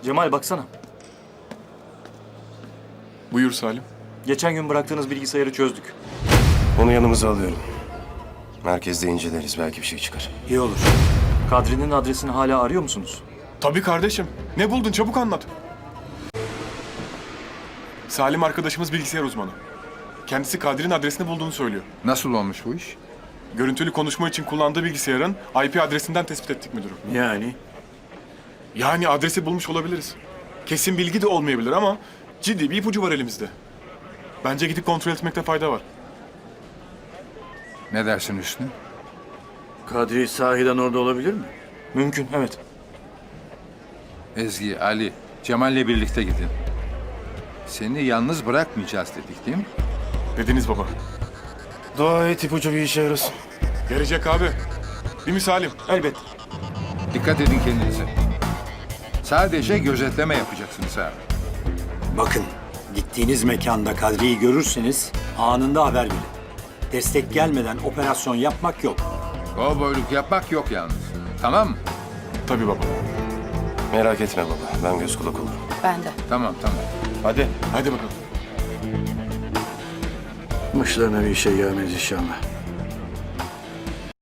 Cemal baksana. Buyur Salim. Geçen gün bıraktığınız bilgisayarı çözdük. Onu yanımıza alıyorum. Merkezde inceleriz. Belki bir şey çıkar. İyi olur. Kadri'nin adresini hala arıyor musunuz? Tabii kardeşim. Ne buldun? Çabuk anlat. Salim arkadaşımız bilgisayar uzmanı. Kendisi Kadri'nin adresini bulduğunu söylüyor. Nasıl olmuş bu iş? Görüntülü konuşma için kullandığı bilgisayarın IP adresinden tespit ettik müdürüm. Yani adresi bulmuş olabiliriz. Kesin bilgi de olmayabilir ama ciddi bir ipucu var elimizde. Bence gidip kontrol etmekte fayda var. Ne dersin Hüsnü? Kadri sahiden orada olabilir mi? Mümkün, evet. Ezgi, Ali, Cemal'le birlikte gidin. Seni yalnız bırakmayacağız dedik değil mi? Dediniz baba. Dua et ipucu bir işe yarasın. Gelecek abi. Değil mi Salim? Elbet. Dikkat edin kendinize. Sadece gözetleme yapacaksınız ha. Bakın, gittiğiniz mekanda Kadri'yi görürseniz anında haber verin. Destek gelmeden operasyon yapmak yok. Kovboyluk yapmak yok yalnız. Tamam mı? Tabii baba. Merak etme baba. Ben göz kulak olurum. Ben de. Tamam. Hadi. Hadi bakalım. Başlarına bir şey gelmez inşallah.